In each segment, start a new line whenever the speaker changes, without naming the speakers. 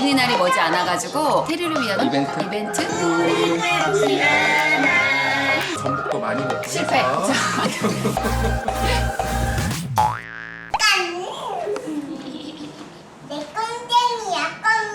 어린이날이 머지 않아가지고 테리를 위한 이벤트?
전복도 많이 먹고
실패.
해서.
내 껌쟁이야,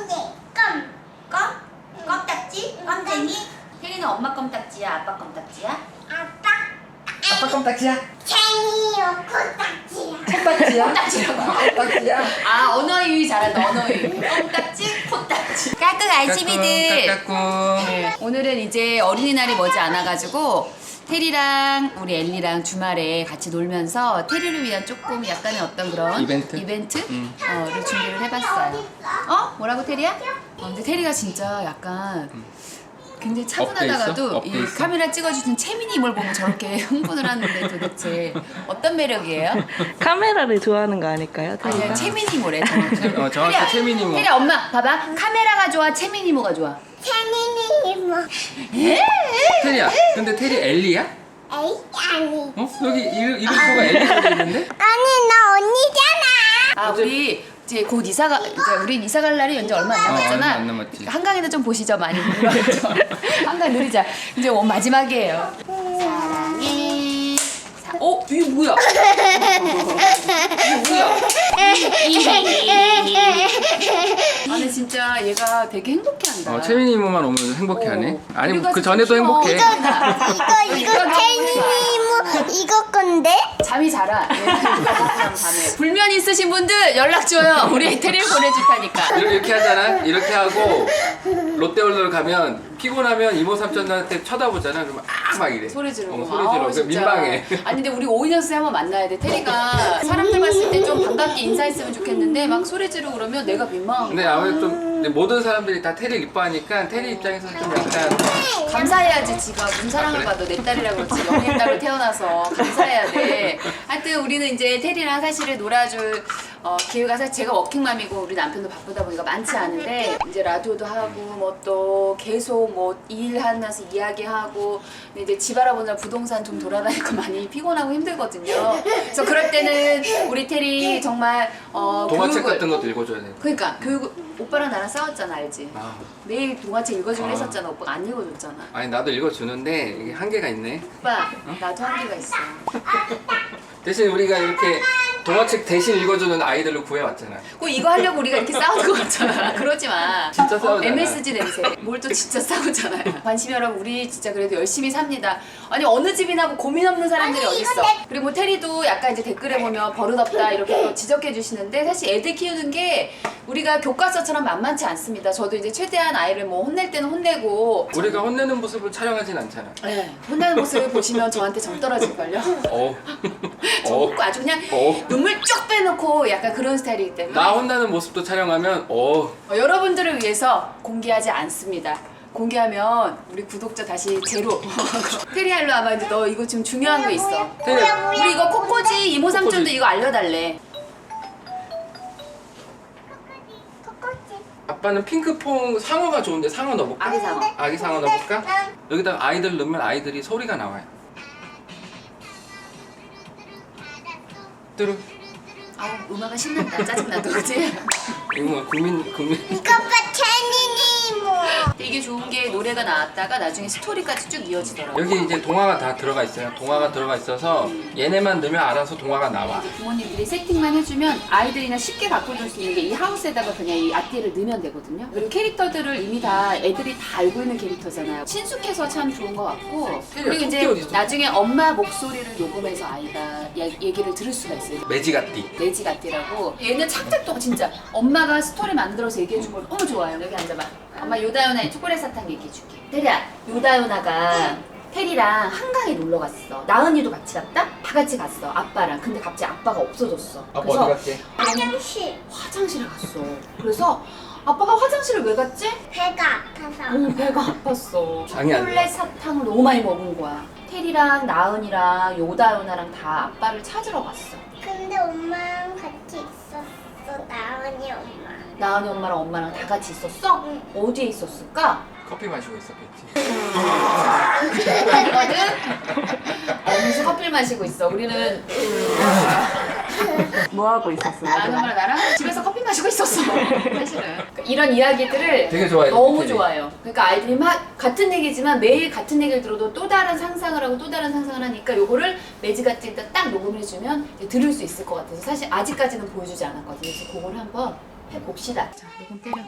껌딱지? 껌쟁이? 테리는 엄마 껌딱지야, 아빠 껌딱지야?
아빠 껌딱지야?
쟁이요, 코딱지야.
껌딱지야?
껌딱지라고.
껌딱지야?
아, 언어유희 잘한다, 언어유희. 껌딱지, 콧딱지. 까꿍 알치미들.
까꿍.
네, 오늘은 이제 어린이날이 머지 않아가지고 테리랑 우리 엘리랑 주말에 같이 놀면서 테리를 위한 조금 약간의 어떤 그런 이벤트를 준비를 해봤어요. 뭐라고 테리야? 근데 테리가 진짜 약간 굉장히 차분하다가도
업돼
이
있어?
카메라 찍어주신 채민이임을 보면 저렇게 흥분을 하는데 도대체 어떤 매력이에요?
카메라를 좋아하는 거 아닐까요?
아니야,
테리가?
채민이모래 정확히.
정확히 채민이모.
테리야 엄마 봐봐, 카메라가 좋아 채민이모가 좋아?
쟁이니 뭐?
테리야, 근데 테리 엘리야?
에이, 아니.
어? 여기 이름표가 엘리가 돼 있는데?
아니, 나 언니잖아.
아 우리 이제 곧 이사가 이제 우리 이사 갈 날이 이제 얼마 안 남았잖아.
얼마 안 남았지.
한강에도 좀 보시죠 많이. 한강 느리자. 이제 마지막이에요. 사랑해. 이게 뭐야? 이게 뭐야? 아니 진짜 얘가 되게 행복해한다.
채민이모만 오면 행복해하네. 아니
우리가
그 전에도
진짜
행복해.
이거 쟁이니 뭐, 이거 건데?
잠이 잘 와. 밤에. 불면 있으신 분들 연락 줘요. 우리 테리를 보내줄 테니까.
이렇게 하잖아. 이렇게 하고 롯데월드를 가면 피곤하면 이모 삼촌한테 쳐다보잖아. 그러면 막 이래.
소리 지르고.
소리 지르고.
진짜.
민망해.
아니 근데 우리 5인연습 한번 만나야 돼. 테리가 사람들 봤을 때 좀 반갑게 인사했으면 좋겠는데 막 소리 지르고 그러면 내가 민망한
근데
거야.
아무래도 좀 근데 모든 사람들이 다 테리를 이뻐하니까 테리 입장에서 좀 약간
감사해야지. 지가 무슨 사랑을
그래?
받아. 내 딸이라고 그렇지. 영의 딸로 태어나서 감사해야 돼. 하여튼 우리는 이제 테리랑 사실은 놀아줄 기회가 사실 제가 워킹맘이고 우리 남편도 바쁘다 보니까 많지 않은데 이제 라디오도 하고 뭐 또 계속 뭐 일하면서 이야기하고 근데 이제 집 알아보느라 부동산 좀 돌아다니고 많이 피곤하고 힘들거든요. 그래서 그럴 때는 우리 테리 정말
동화책
교육을-
같은 것도 읽어줘야 돼.
그러니까 교육 오빠랑 나랑 싸웠잖아 알지?
아,
매일 동화책 읽어주기로
아.
했었잖아. 오빠가 안 읽어줬잖아.
아니 나도 읽어주는데 이게 한계가 있네.
오빠 나도 한계가 있어.
대신 우리가 이렇게 동화책 대신 읽어주는 아이들로 구해왔잖아.
꼭 이거 하려고 우리가 이렇게 싸우는 거 같잖아. 그러지 마.
진짜 싸우잖아.
MSG 냄새. 뭘 또 진짜 싸우잖아요. 관심 여러분 우리 진짜 그래도 열심히 삽니다. 아니 어느 집이나 뭐 고민 없는 사람들이
아니,
어딨어.
이건
그리고 뭐 테리도 약간 이제 댓글에 보면 버릇없다 이렇게 또 지적해 주시는데 사실 애들 키우는 게 우리가 교과서처럼 만만치 않습니다. 저도 이제 최대한 아이를 뭐 혼낼 때는 혼내고
우리가 혼내는 모습을 촬영하진 않잖아.
네, 혼나는 모습을 보시면 저한테 정 떨어질걸요.
어.
저 웃고 아주 그냥 눈물 쭉 빼놓고 약간 그런 스타일이기 때문에
나 혼나는 모습도 촬영하면
여러분들을 위해서 공개하지 않습니다. 공개하면 우리 구독자 다시 제로. 테리알로 아마 이제 너 이거 지금 중요한 거 있어.
테리
우리 이거 코코지 이모 삼촌도
코코지.
이거 알려달래.
코코지.
아빠는 핑크퐁 상어가 좋은데 상어 넣어볼까?
아기 상어.
아기 상어 넣어볼까? 여기다 아이들 넣으면 아이들이 소리가 나와요. 뚜루.
아우 음악은 신난다. 짜증나도 그지?
이거 뭐 국민
이거 봐, 쟁이니 뭐.
이게 좋은 게 노래가 나왔다가 나중에 스토리까지 쭉 이어지더라고.
여기 이제 동화가 다 들어가 있어요. 동화가 들어가 있어서 얘네만 넣으면 알아서 동화가 나와.
부모님들이 세팅만 해주면 아이들이나 쉽게 바꿔줄 수 있는 게 이 하우스에다가 그냥 이 앞뒤를 넣으면 되거든요. 그리고 캐릭터들을 이미 다 애들이 다 알고 있는 캐릭터잖아요. 친숙해서 참 좋은 것 같고 그리고
토끼
이제
어디 있어?
나중에 엄마 목소리를 녹음해서 아이가 얘기를 들을 수가 있어요.
매지가띠.
레지가띠라고 얘는 창작 동안 진짜 엄마가 스토리 만들어서 얘기해준 걸 너무 좋아요. 여기 앉아봐. 엄마 요다요나의 초콜릿 사탕 얘기해줄게. 테리야, 요다요나가 테리랑 한강에 놀러 갔어. 나은이도 같이 갔다? 다 같이 갔어. 아빠랑. 근데 갑자기 아빠가 없어졌어.
아빠
그래서
어디 갔지?
화장실.
화장실에 갔어. 그래서 아빠가 화장실을 왜 갔지?
배가 아파서.
배가 아팠어.
장이 안
초콜릿 사탕을 너무 많이 먹은 거야. 테리랑 나은이랑 요다요나랑 다 아빠를 찾으러 갔어.
근데 엄마랑 같이 있었어. 나은이 엄마.
나은이 엄마랑 엄마랑 다 같이 있었어?
응.
어디에 있었을까?
커피 마시고 있었겠지.
이거는 어느새 커피를 마시고 있어. 우리는
뭐 하고 있었어요?
나는 엄마랑 나랑 집에서 커피 마시고 있었어. 사실은 이런 이야기들을
되게 좋아해요.
너무
테리.
좋아요. 그러니까 아이들이 막 같은 얘기지만 매일 같은 얘기를 들어도 또 다른 상상을 하고 또 다른 상상을 하니까 요거를 매직아트 일단 딱 녹음해주면 이제 들을 수 있을 것 같아서 사실 아직까지는 보여주지 않았거든요. 그래서 그걸 한번 해봅시다. 자, 녹음 때려.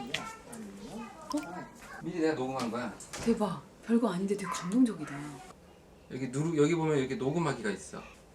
미리 내가 녹음한 거야.
대박. 별거 아닌데 되게 감동적이다.
여기 보면 이렇게 녹음하기가 있어.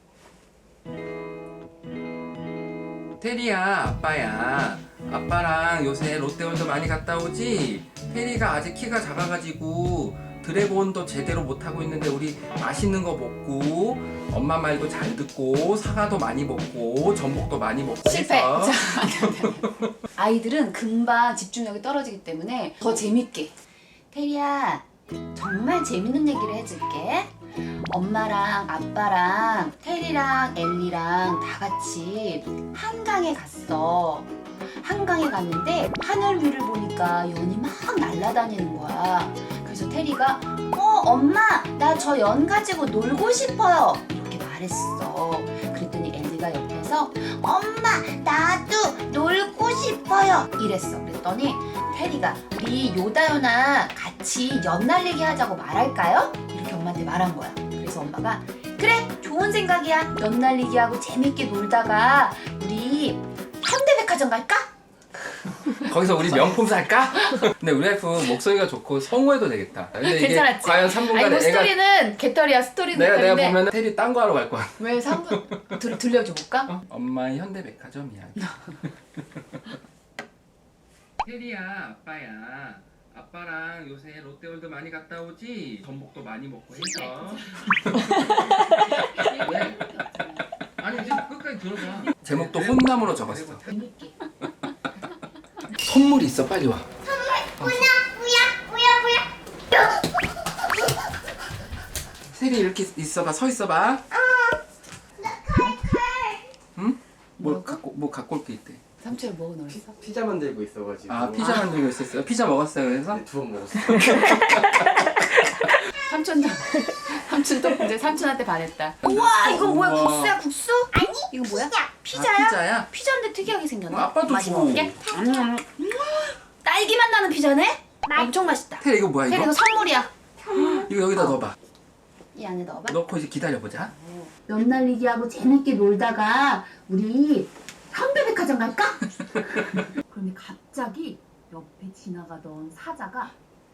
테리야, 아빠야. 아빠랑 요새 롯데월드 많이 갔다 오지? 테리가 아직 키가 작아가지고 드래곤도 제대로 못하고 있는데 우리 맛있는 거 먹고 엄마 말도 잘 듣고 사과도 많이 먹고 전복도 많이 먹고
실패.
해서
자, 아이들은 금방 집중력이 떨어지기 때문에 더 재밌게. 테리야, 정말 재밌는 얘기를 해줄게. 엄마랑 아빠랑 테리랑 엘리랑 다 같이 한강에 갔어. 한강에 갔는데 하늘 위를 보니까 연이 막 날아다니는 거야. 그래서 테리가 엄마 나 저 연 가지고 놀고 싶어요 이렇게 말했어. 그랬더니 엘리가 옆에서 엄마 나도 놀고 싶어요 이랬어. 그랬더니 테리가 우리 요다연아 같이 연 날리기 하자고 말할까요? 이렇게 엄마한테 말한 거야. 그래서 엄마가 그래 좋은 생각이야. 연 날리기 하고 재밌게 놀다가 우리 현대백화점 갈까?
거기서 우리 명품 살까? 근데 우리 와이프 목소리가 좋고 성우해도 되겠다. 근데 이게
괜찮았지?
과연
아니
3분간에
뭐 스토리는 개털이야. 스토리는
내가
개털인데
보면 테리 딴 거 하러 갈 거야.
왜 3분 들려줘 볼까?
엄마의 현대백화점 이야기. 테리야, 아빠야. 아빠랑 요새 롯데월드 많이 갔다 오지? 전복도 많이 먹고 해서. 왜? 아니 이제 끝까지 들어봐. 제목도 혼남으로 적었어.
재밌게.
선물이 있어, 빨리 와.
뭐야.
세리 이렇게 있어봐, 서 있어봐. 응? 뭐 갖고 올 게 있대.
삼촌 뭐 넣었어?
피자 만들고 있어가지고.
아, 피자 만들고 있었어요? 피자 먹었어요, 그래서?
네, 2번 먹었어.
삼촌도 이제 삼촌한테 반했다. 우와 이거 뭐야?
우와.
국수야 국수? 아니 이거 뭐야? 피자야?
아, 피자야?
피자인데 특이하게 생겼네.
아빠도
맛이
줘.
먹게? 딸기 맛 나는 피자네? 엄청 맛있다.
테리 이거 뭐야,
테리
이거?
이거 선물이야.
이거 여기다 넣어봐.
이 안에 넣어봐.
넣고 이제 기다려보자.
연 날리기 하고 재밌게 놀다가 우리 현대백화점 갈까? 그런데 갑자기 옆에 지나가던 사자가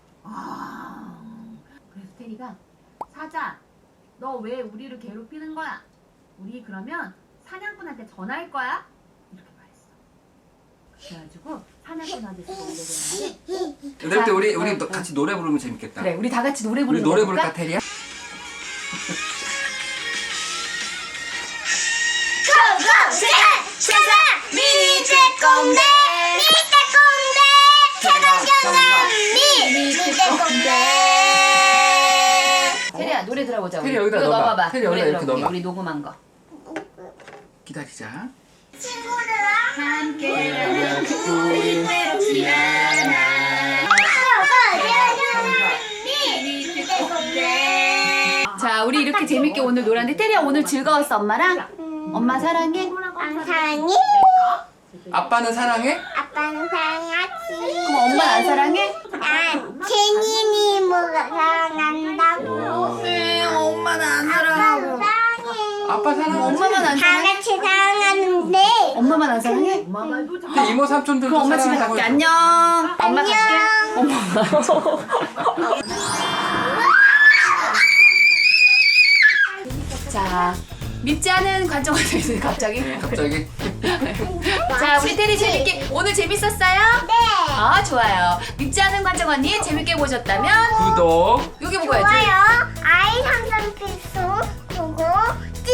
그래서 테리가 사자 너 왜 우리를 괴롭히는 거야? 우리 그러면 사냥꾼한테 전화할 거야? 이렇게 말했어. 그래가지고 사냥꾼한테 전화를
이럴 때 우리 같이 노래 부르면 재밌겠다.
그래 우리 다 같이 노래
우리
부르는
노래
거
부를까,
볼까?
테리야?
세상 미니 떼꼼대
테리야 노래 들어보자.
테리
우리.
여기다
이거
넣어봐.
넣어봐봐.
테리 여기다
노래
이렇게
들어볼게.
넣어봐.
우리 녹음한 거.
기다리자.
친구들아
우리 외롭지 않아. 자, 우리 이렇게 재밌게 오늘 놀았는데 테리야 오늘 즐거웠어 엄마랑? 엄마 사랑해?
사랑해.
아빠는 사랑해?
아빠는 사랑하지.
그럼 엄마 안 사랑해?
난 제니니 뭐가 사랑한다고.
네, 엄마는 안
아빠는 사랑해.
아빠 사랑하지?
엄마만 안
다
사랑해?
같이 사랑하는데.
엄마만 안 사랑해? 엄마 말도
근데 이모 삼촌들도
그럼 엄마 집에
사랑한다고
갈게.
해줘.
안녕. 엄마 갈게. 엄마. 자, 밉지 않은 관점을 있어요 갑자기.
네, 갑자기.
자, 우리 테리 재밌게 오늘 재밌었어요?
네.
아, 좋아요. 밉지 않은 관점 언니 재밌게 보셨다면
구독.
여기 보고 야지.
좋아요. 아이 상상 필수 보고 찡.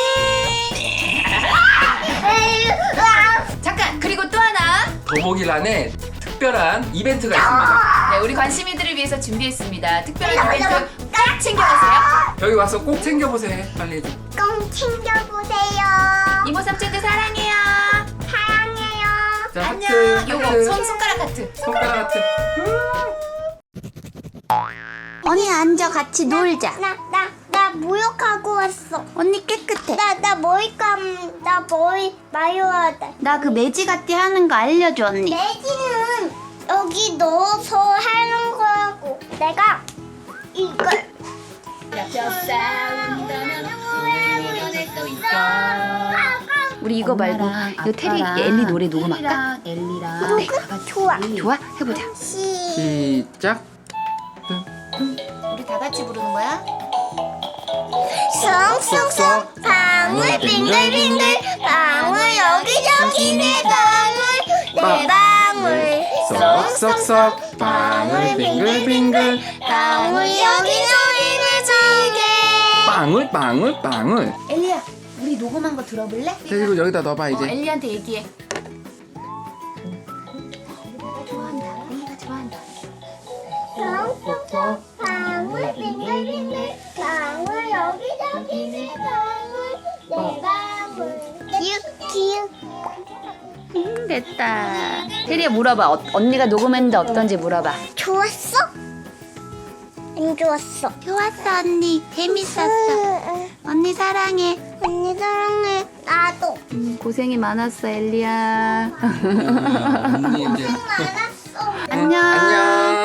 잠깐 그리고 또 하나.
더보기란에 특별한 이벤트가 있습니다.
네, 우리 관심이들을 위해서 준비했습니다. 특별한 이벤트 꼭 챙겨가세요.
여기 와서 꼭 챙겨보세요. 빨리 해줘.
꼭 챙겨보세요.
이모 삼촌들 사랑해요.
사랑해요.
자,
안녕.
하트.
요거
하트.
손가락 하트.
손가락 하트.
언니 앉아 같이 놀자. 나 목욕하고 왔어.
언니 깨끗해.
나 머리 마요하다.
나 그 매지가띠 하는 거 알려줘 언니.
매지는 여기 넣어서 하는 거라고. 내가 이걸
우리 이거 말고 이 테리 엘리 노래 녹음할까?
엘리랑
어때?
좋아.
좋아? 해보자.
시작.
우리 다 같이 부르는 거야?
쏙쏙쏙 방울 빙글빙글 방울 여기저기 내 방울 내 방울
쏙쏙쏙 방울 빙글빙글
방울 여기저기 내 지게.
빵울 빵울 빵울.
엘리야 우리 녹음한 거 들어볼래?
그리고 여기다 넣어봐 이제.
엘리한테 얘기해.
좋아한다. 엘리가 좋아한다.
쏙쏙쏙 방울 빙글빙글 방울 여기저기 내 방울 내 방울. 기욱
됐다. 테리야 물어봐. 언니가 녹음했는데 어떤지 물어봐.
좋았어? 안 좋았어?
좋았어 언니. 재밌었어. 언니 사랑해.
언니 사랑해. 나도.
고생이 많았어 엘리야.
언니 이제
알았어.
안녕.
안녕.